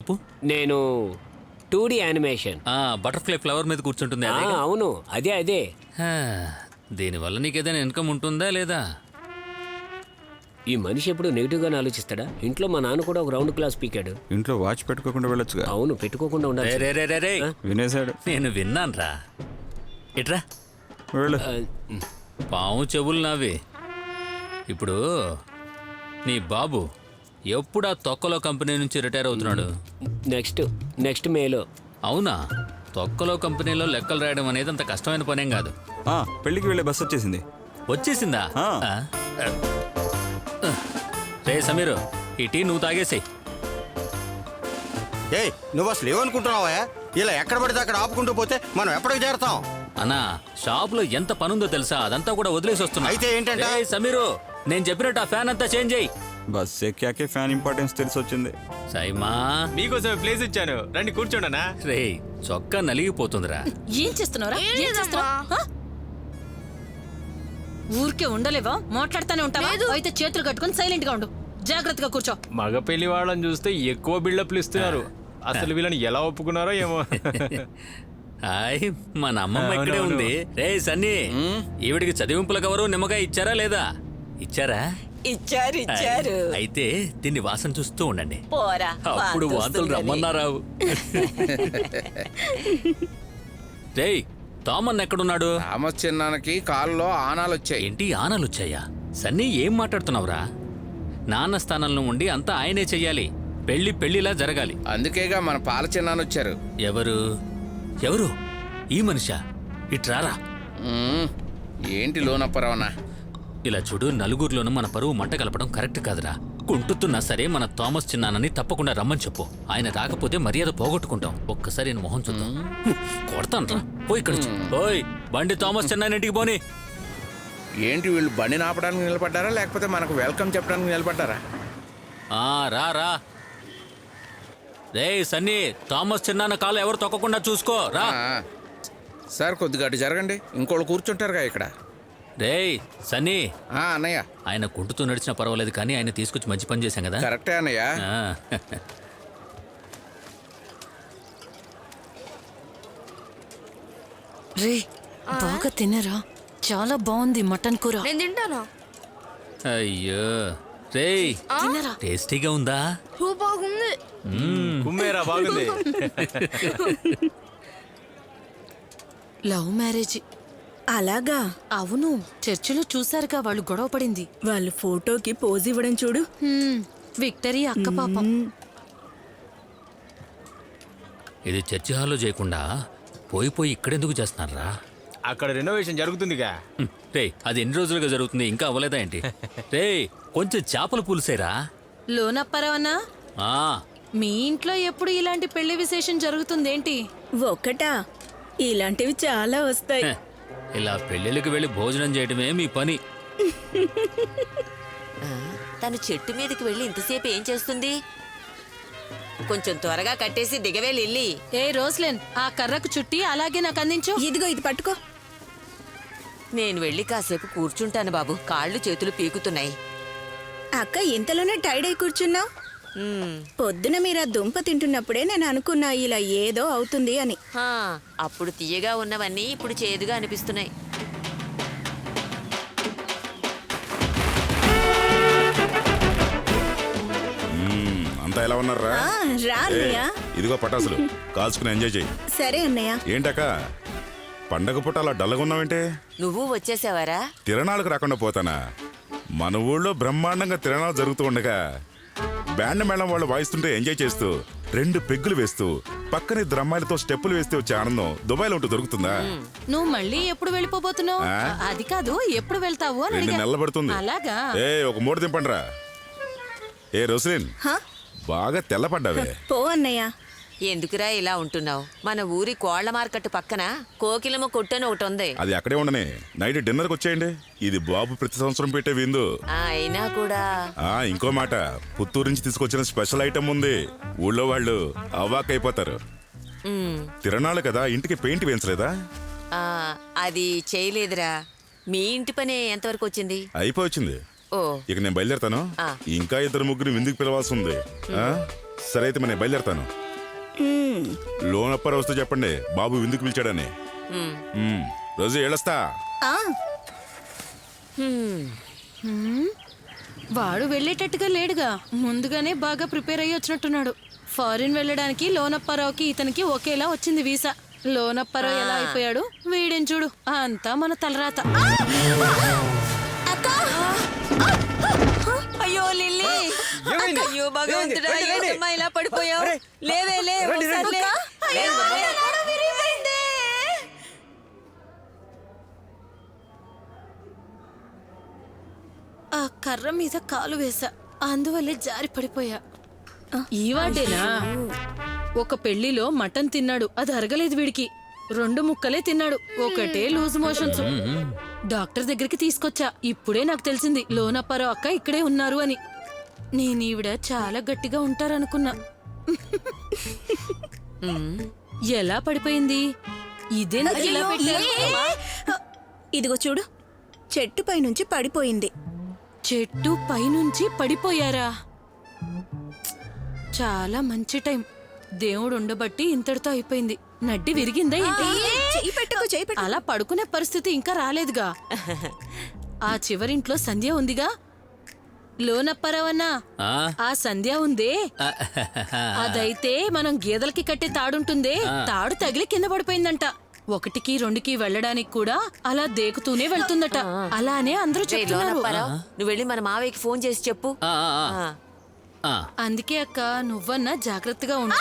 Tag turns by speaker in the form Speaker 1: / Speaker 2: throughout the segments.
Speaker 1: చెప్పు.
Speaker 2: నేను 2D animation.
Speaker 1: Butterfly flower మీద కూర్చుంటుంది అదేగా?
Speaker 2: అవును, అదే.
Speaker 1: దీనివల్ల నీకేదైనా ఇన్కమ్ ఉంటుందా లేదా?
Speaker 2: ఈ మనిషి ఎప్పుడు నెగిటివ్గానే ఆలోచిస్తాడా? ఇంట్లో మా నాన్న కూడా ఒక రౌండ్ క్లాస్ పీకాడు.
Speaker 3: ఇంట్లో వాచ్ పెట్టుకోకుండా వెళ్ళొచ్చుగా.
Speaker 2: అవును, పెట్టుకోకుండా ఉండాలి.
Speaker 1: రే
Speaker 3: వినేశాడు.
Speaker 1: నేను విన్నాన్రా. ఇట్రా.
Speaker 3: వెళ్ళు.
Speaker 1: పాము చెవులు నావి. ఇప్పుడు నీ బాబు ఎప్పుడు ఆ తొక్కలో కంపెనీ నుంచి రిటైర్ అవుతున్నాడు?
Speaker 2: నెక్స్ట్ మేలో.
Speaker 1: అవునా? తొక్కలో కంపెనీలో లెక్కలు రాయడం అనేది అంత కష్టమైన పనేం కాదు.
Speaker 3: పెళ్లికి వెళ్ళే బస్ వచ్చేసింది.
Speaker 1: వచ్చేసిందా? రే సమీరు, ఈ టీ నువ్వు తాగేసి.
Speaker 4: ఏయ్, నువ్వు అసలు ఏమనుకుంటున్నావా? ఇలా ఎక్కడ పడితే అక్కడ ఆపుకుంటూ పోతే మనం ఎప్పటికి చేరతాం?
Speaker 1: అన్నా, షాప్ లో ఎంత పనుందో తెలుసా? అదంతా కూడా వదిలేసి వస్తున్నా.
Speaker 4: అయితే ఏంటంటే?
Speaker 1: సమీరు, నేను చెప్పినట్టు ఆ ఫ్యాన్ అంతా చేంజ్ అయ్యి.
Speaker 3: బస్ ఎక్కాకే ఫ్యాన్ ఇంపార్టెన్స్ తెలిసి వచ్చింది.
Speaker 1: సైమా,
Speaker 5: మీకోసం ప్లేస్ ఇచ్చాను, రండి కూర్చోండనా.
Speaker 1: రే చొక్కా నలిగిపోతుందిరా.
Speaker 6: ఏం చేస్తున్నావురా? ఊరికే ఉండలేవా? మాట్లాడుతానే ఉంటావా? అయితే చేతులు కట్టుకుని సైలెంట్ గా ఉండు. జాగ్రత్తగా కూర్చో.
Speaker 5: మగ పెళ్లి వాళ్ళని చూస్తే ఎక్కువ బిల్డప్లు ఇస్తున్నారు. అసలు వీళ్ళని ఎలా ఒప్పుకున్నారో ఏమో.
Speaker 1: హాయ్, మన అమ్మమ్మ ఇక్కడే ఉంది. రే సన్నీ, ఈవిడికి చదివింపుల కవరు నిమ్మకాయ ఇచ్చారా లేదా? ఇచ్చారా?
Speaker 7: ఇచ్చారు.
Speaker 1: అయితే దీన్ని వాసన చూస్తూ ఉండండి.
Speaker 7: పోరా,
Speaker 1: అప్పుడు వాంతులు రమ్మన్నారావు. రే తామన్ ఎక్కడున్నాడు?
Speaker 8: థామస్ చిన్నానికి కాల్లో ఆనాలు వచ్చాయి.
Speaker 1: ఏంటి ఆనలు వచ్చాయా? సన్నీ ఏం మాట్లాడుతున్నావురా? నాన్న స్థానంలో ఉండి అంతా ఆయనే చెయ్యాలి. పెళ్లిలా జరగాలి.
Speaker 8: అందుకేగా మన పాల చిన్నాను వచ్చారు.
Speaker 1: ఎవరు? ఈ మనిషా? ఇట్రారా.
Speaker 8: ఏంటి లోనప్పరవనా?
Speaker 1: ఇలా చూడు, నలుగురిలోనూ మన పరువు మంట కలపడం కరెక్ట్ కాదురా. కుంటుతున్నా సరే మన థామస్ చిన్నానని తప్పకుండా రమ్మని చెప్పు. ఆయన రాకపోతే మర్యాద పోగొట్టుకుంటాం. ఒక్కసారి నేను మొహం చూద్దాం. కొడతాను రా. పోయి ఇక్కడ ఓయ్, బండి థామస్ చిన్నాయన ఇంటికి పోనీ.
Speaker 8: ఏంటి వీళ్ళు బండి నాపడానికి నిలబడ్డారా లేకపోతే మనకు వెల్కమ్ చెప్పడానికి నిలబడ్డారా?
Speaker 1: రా రే సన్నీ, థామస్ చిన్నాన్న కాలు ఎవరు తొక్కకుండా చూసుకో రా.
Speaker 8: సార్ కొద్దిగా అటు జరగండి, ఇంకోళ్ళు కూర్చుంటారుగా ఇక్కడ.
Speaker 1: రే సన్నీ.
Speaker 8: అన్నయ్య.
Speaker 1: ఆయన కుంటుతూ నడిచినా పర్వాలేదు కానీ ఆయన తీసుకొచ్చి మంచి పని చేశాం కదా.
Speaker 8: కరెక్టే అన్నయ్య.
Speaker 6: రే బాగా తినరా, చాలా బాగుంది మటన్ కూర.
Speaker 7: నేను తింటాను.
Speaker 1: అయ్యో రే,
Speaker 6: తినరా.
Speaker 1: టేస్టీగా ఉందా?
Speaker 7: బాగుంది.
Speaker 5: కుమ్మేరా, బాగుంది.
Speaker 6: Love marriage.
Speaker 7: అలాగా?
Speaker 6: అవును, చర్చిలో చూసారుగా వాళ్ళు గొడవ పడింది.
Speaker 7: వాళ్ళు ఫోటోకి పోజ్ ఇవ్వడం చూడు.
Speaker 6: విక్టరీ అక్క పాపం.
Speaker 1: ఇది చర్చి హాల్లో చేయకుండా పోయి ఇక్కడెందుకు చేస్తున్నారా?
Speaker 5: అక్కడ రెనోవేషన్ జరుగుతుందిగా.
Speaker 1: రే అది ఎన్ని రోజులుగా జరుగుతుంది, ఇంకా అవ్వలేదా ఏంటి? రే కొంచెం చేపల పులుసేరా.
Speaker 6: లోనప్పరవన్నా, మీ ఇంట్లో ఎప్పుడు ఇలాంటి పెళ్లి విశేషం జరుగుతుందేంటి?
Speaker 7: ఒకటా? ఇలాంటివి చాలా వస్తాయి.
Speaker 1: ఇలా పెళ్ళిళ్ళకి వెళ్ళి భోజనం చేయడమే మీ పని.
Speaker 7: తను చెట్టు మీదకి వెళ్ళి ఇంతసేపు ఏం చేస్తుంది? కొంచెం త్వరగా కట్టేసి దిగవే లిల్లీ.
Speaker 6: ఏ రోస్లెన్, ఆ కర్రకు చుట్టి అలాగే నాకు అందించు.
Speaker 7: ఇదిగో ఇది పట్టుకో. నేను వెళ్ళి కాసేపు కూర్చుంటాను బాబు, కాళ్ళు చేతులు పీకుతున్నాయి.
Speaker 9: అక్క ఇంతలోనే టైడ్ అయి కూర్చున్నావు? పొద్దున మీరు ఆ దుంప తింటున్నప్పుడే నేను అనుకున్నా ఇలా ఏదో అవుతుంది అని.
Speaker 7: అప్పుడు తీయగా ఉన్నవన్నీ ఇప్పుడు చేదుగా అనిపిస్తున్నాయి.
Speaker 10: అంతా ఎలా ఉన్నారా?
Speaker 9: రా అన్నయ్య.
Speaker 10: ఇదిగో పటాసులు కాల్చుకుని ఎంజాయ్ చెయ్యి.
Speaker 9: సరే అన్నయ్య.
Speaker 10: ఏంటక్క పండగ పూట అలా డల్లగా ఉన్నావేంటే?
Speaker 7: నువ్వు వచ్చేసావారా?
Speaker 10: తిరణాలకు రాకుండా పోతానా? మన ఊళ్ళో బ్రహ్మాండంగా తిరణాలు జరుగుతూ ఉండగా బ్యాండ్ మేళం వాళ్ళు వాయిస్తుంటే ఎంజాయ్ చేస్తూ 2 పెగ్గులు వేస్తూ పక్కన 2 అమ్మాయిలతో స్టెప్పులు వేస్తే వచ్చే ఆనందం దుబాయ్లో ఉంటూ దొరుకుతుందా?
Speaker 6: నువ్వు మళ్ళీ ఎప్పుడు వెళ్ళిపోబోతున్నావు? అది కాదు, ఎప్పుడు వెళ్తావు అని
Speaker 10: 2 నెలలు పడుతుంది.
Speaker 6: అలాగా?
Speaker 10: ఒక మూడు దింపండిరా. ఏ రోస్లిన్, బాగా తెల్లపడ్డావే.
Speaker 9: పో అన్నయ్య.
Speaker 7: ఎందుకురా ఇలా ఉంటున్నావు? మన ఊరి కోళ్ల మార్కెట్ పక్కన కోకిలమ్మ కొట్టని ఒకటి ఉంది.
Speaker 10: అది అక్కడే ఉండనే. నైట్ డిన్నర్కి వచ్చేయండి. ఇది బాబు ప్రతి సంవత్సరం పెట్టే విందు.
Speaker 7: అయినా కూడా
Speaker 10: ఇంకో మాట, పుత్తూరు నుంచి తీసుకొచ్చిన స్పెషల్ ఐటమ్ ఉంది. ఊళ్ళో వాళ్ళు అవాక్కైపోతారు. తిరణాలు కదా, ఇంటికి పెయింట్ వేయించలేదా?
Speaker 7: అది చేయలేదురా. మీ ఇంటి పని ఎంతవరకు వచ్చింది?
Speaker 10: అయిపోయింది. ఇక నేను బయలుదేరతాను. ఇంకా 2 ముగ్గురు విందుకు పిలవాల్సి ఉంది. సరే అయితే నేను బయలుదేరతాను. లోన్ అప్పారు వస్తూ చెప్పండి బాబు విందుకు పిలిచాడని. రోజు ఏళ్ళొస్తా.
Speaker 9: ఆ,
Speaker 6: వాడు వెళ్ళేటట్టుగా లేడుగా, ముందుగానే బాగా ప్రిపేర్ అయ్యి వచ్చినట్టున్నాడు. ఫారిన్ వెళ్ళడానికి లోనప్పారావుకి ఇతనికి ఒకేలా వచ్చింది వీసా. లోనప్పారావు ఎలా అయిపోయాడు, వీడేం చూడు, అంతా మన తలరాత.
Speaker 7: అయ్యో లిల్లీ, అయ్యో భగవంతుడా, ఏంటమ్మా ఇలా పడిపోయావు? లేవే లే, ఒకసారి లే.
Speaker 6: ఆ కర్ర మీద కాలు వేసా, అందువల్లే జారి పడిపోయా. ఈ వాడేనా? ఒక పెళ్లిలో మటన్ తిన్నాడు, అది అరగలేదు వీడికి. 2 ముక్కలే తిన్నాడు, ఒకటే లూజ్ మోషన్స్. డాక్టర్ దగ్గరికి తీసుకొచ్చా, ఇప్పుడే నాకు తెలిసింది లోనప్పారావు అక్క ఇక్కడే ఉన్నారు అని. నేను ఈవిడ చాలా గట్టిగా ఉంటారనుకున్నా. ఎలా పడిపోయింది? ఇదేందుకు ఇలా పెట్టారు?
Speaker 9: ఇదిగో చూడు, చెట్టు పైనుంచి పడిపోయింది.
Speaker 6: చెట్టు పైనుంచి పడిపోయారా? చాలా మంచి టైం, దేవుడు ఉండబట్టి ఇంతటితో అయిపోయింది. నడ్డి విరిగిందా ఏంటి?
Speaker 9: చెయ్యి పెట్టుకో, చెయ్యి పెట్టు.
Speaker 6: అలా పడుకునే పరిస్థితి ఇంకా రాలేదుగా. ఆ చివరింట్లో సంధ్య ఉందిగా. లోనప్పారావన్నా,
Speaker 1: ఆ?
Speaker 6: ఆ సంధ్య ఉందే, అదైతే మనం గేదెలకి కట్టే తాడుంటుందే, తాడు తగిలి కింద పడిపోయిందంట. 1కి 2కి వెళ్ళడానికి కూడా అలా దేకుతూనే వెళ్తుందట. అలానే అందరూ చెప్తున్నారు.
Speaker 7: లోనప్పారావు, నువ్వు వెళ్ళి మన మావయ్యకి ఫోన్ చేసి చెప్పు.
Speaker 1: ఆ, ఆ, ఆ.
Speaker 7: ఆ.
Speaker 1: ఆ.
Speaker 6: అందుకే అక్క, నువ్వన్నా జాగ్రత్తగా ఉండు.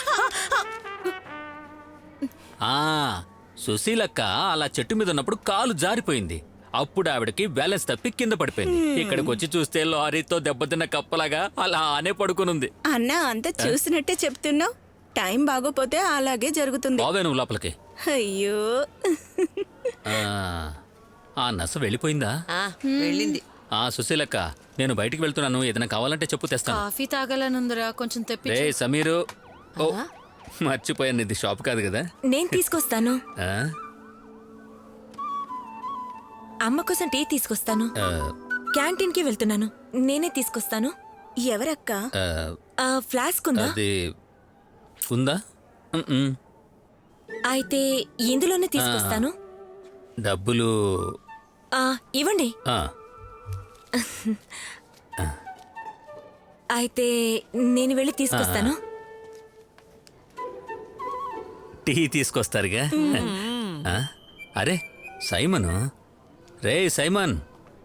Speaker 1: ఆ, సుశీలక్క అలా చెట్టు మీద ఉన్నప్పుడు కాలు జారిపోయింది. అప్పుడు ఆవిడకి బ్యాలెన్స్ తప్పి కింద పడిపోయింది. ఇక్కడికి వచ్చి చూస్తే లారీతో దెబ్బతిన్న కప్పలాగా అలానే పడుకునుంది.
Speaker 9: అన్నా, అంతా చూసినట్టే చెప్తున్నావు. టైం బాగోపోతే అలాగే జరుగుతుంది.
Speaker 1: బావే నువ్వు లోపలికి.
Speaker 9: అయ్యో,
Speaker 1: ఆ, ఆ నస వెళ్ళిపోయిందా?
Speaker 7: ఆ, వెళ్ళింది.
Speaker 1: ఆ సుశీలక్క, నేను బయటికి వెళ్తున్నాను, ఏదైనా కావాలంటే చెప్పు తెస్తాను.
Speaker 6: కాఫీ తాగాలనుందిరా, కొంచెం తెప్పి.
Speaker 1: రే సమీరు, ఓ మర్చిపోయాను, ఇది షాప్ కాదు కదా.
Speaker 11: నేను తీసుకొస్తాను.
Speaker 1: ఆ?
Speaker 11: అమ్మ కోసం టీ తీసుకొస్తాను.
Speaker 1: ఆ,
Speaker 11: క్యాంటీన్ కి వెళ్తున్నాను, నేనే తీసుకొస్తాను.
Speaker 9: ఎవరక్క?
Speaker 1: ఆ,
Speaker 11: ఫ్లాస్క్ ఉందా?
Speaker 1: అది ఉందా? ఉమ్మ్.
Speaker 11: అయితే ఇందులోనే తీసుకొస్తాను.
Speaker 1: డబ్బులు
Speaker 11: ఇవ్వండి.
Speaker 1: ఆ,
Speaker 11: అయితే నేను వెళ్ళి తీసుకొస్తాను.
Speaker 1: టీ తీసుకొస్తారుగా. ఆ? అరే సైమను, రే సైమన్.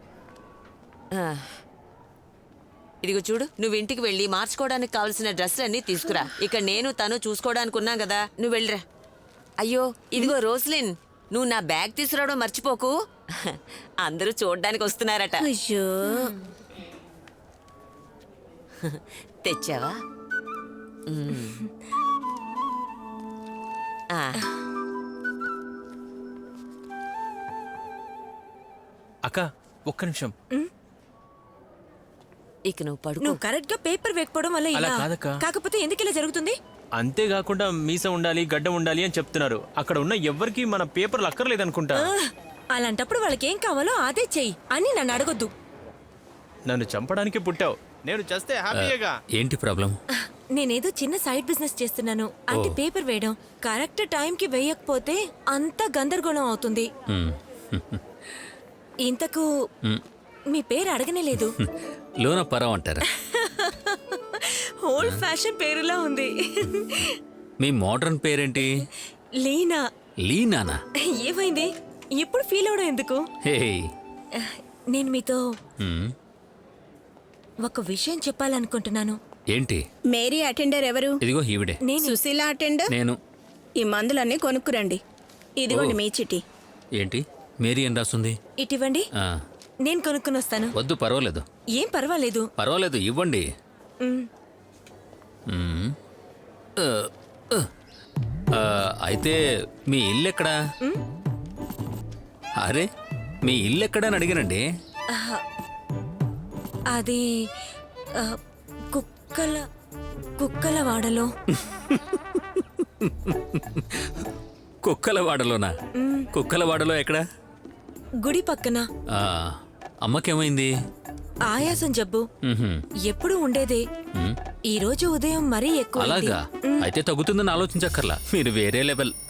Speaker 7: ఇదిగో చూడు, నువ్వు ఇంటికి వెళ్ళి మార్చుకోవడానికి కావాల్సిన డ్రెస్సులన్నీ తీసుకురా. ఇక్కడ నేను తను చూసుకోవడానికి ఉన్నా కదా, నువ్వు వెళ్ళిరా. అయ్యో ఇదిగో రోస్లిన్, నువ్వు నా బ్యాగ్ తీసుకురావడం మర్చిపోకు. అందరూ చూడ్డానికి వస్తున్నారట.
Speaker 9: అయ్యో,
Speaker 7: తెచ్చావా? ఆ.
Speaker 5: అక్క ఒక్క నిమిషం.
Speaker 7: ఇక నువ్వు పడుకో.
Speaker 11: నువ్వు కరెక్ట్ గా పేపర్ వేయకపోవడం వల్ల
Speaker 5: అలా
Speaker 11: ఇలా.
Speaker 5: కాదక్క.
Speaker 11: కాకపోతే ఎందుకు ఇలా జరుగుతుంది?
Speaker 5: అంతేకాకుండా మీసం ఉండాలి, గడ్డం ఉండాలి అని చెప్తున్నారు. అక్కడ ఉన్న ఎవ్వరికి మన పేపర్లు అక్కర్లేదనుకుంటా.
Speaker 11: అలాంటప్పుడు వాళ్ళకి ఏం కావాలో అదే చెయ్యి అని నన్ను అడగొద్దు.
Speaker 5: నన్ను చంపడానికి పుట్టావు, నేను చేస్తే హ్యాపీగా.
Speaker 1: ఏంటి ప్రాబ్లం?
Speaker 11: నేనేదో చిన్న సైడ్ బిజినెస్ చేస్తున్నాను, అంటే పేపర్ వేయడం. కరెక్ట్ టైంకి వేయకపోతే అంతా గందరగోళం అవుతుంది.
Speaker 1: ఉమ్.
Speaker 11: ఇంతకు మీ పేరు అడగనే లేదు.
Speaker 1: లోనప్పారావు అంటారా?
Speaker 11: ఓల్డ్ ఫ్యాషన్ పేరులా ఉంది.
Speaker 1: మీ మోడర్న్ పేరేంటి?
Speaker 11: లీనా.
Speaker 1: లీనానా?
Speaker 11: ఏమైంది ఇప్పుడు ఫీల్ అవడం ఎందుకు?
Speaker 1: హే.
Speaker 11: నేను మీతో
Speaker 1: ఉమ్.
Speaker 11: ఒక విషయం చెప్పాలనుకుంటున్నాను.
Speaker 1: ఏంటి?
Speaker 9: మేరీ అటెండర్ ఎవరు?
Speaker 1: ఇదిగో ఈవిడే.
Speaker 11: నేను
Speaker 9: సుశీల అటెండర్.
Speaker 1: నేను.
Speaker 9: ఈ మందులన్నీ కొనుక్కురండి. ఇదిగోండి మీ చిటి.
Speaker 1: ఏంటి మేరీ అని రాస్తుంది?
Speaker 11: ఇటివ్వండి,
Speaker 1: ఆ,
Speaker 11: నేను కొనుక్కుని వస్తాను.
Speaker 1: వద్దు పర్వాలేదు.
Speaker 11: ఏం పర్వాలేదు.
Speaker 1: పర్వాలేదు ఇవ్వండి.
Speaker 11: మ్,
Speaker 1: ఉమ్. ఆ, ఆ. ఆ, అయితే మీ ఇల్లు ఎక్కడా? అరే మీ ఇల్లు ఎక్కడా అని అడిగానండి.
Speaker 11: అది ఆ, కుక్కల వాడలో.
Speaker 1: కుక్కలవాడలోనా? కుక్కలవాడలో ఎక్కడా?
Speaker 11: గుడి పక్కన.
Speaker 1: ఆ, అమ్మకేమైంది?
Speaker 11: ఆయాసం జబ్బు
Speaker 1: మ్హూ.
Speaker 11: ఎప్పుడు ఉండేదే
Speaker 1: మ్.
Speaker 11: ఈ రోజు ఉదయం మరీ ఎక్కువ
Speaker 1: అలాగా అయితే తగ్గుతుందని ఆలోచించక్కర్లా మీరు వేరే లెవెల్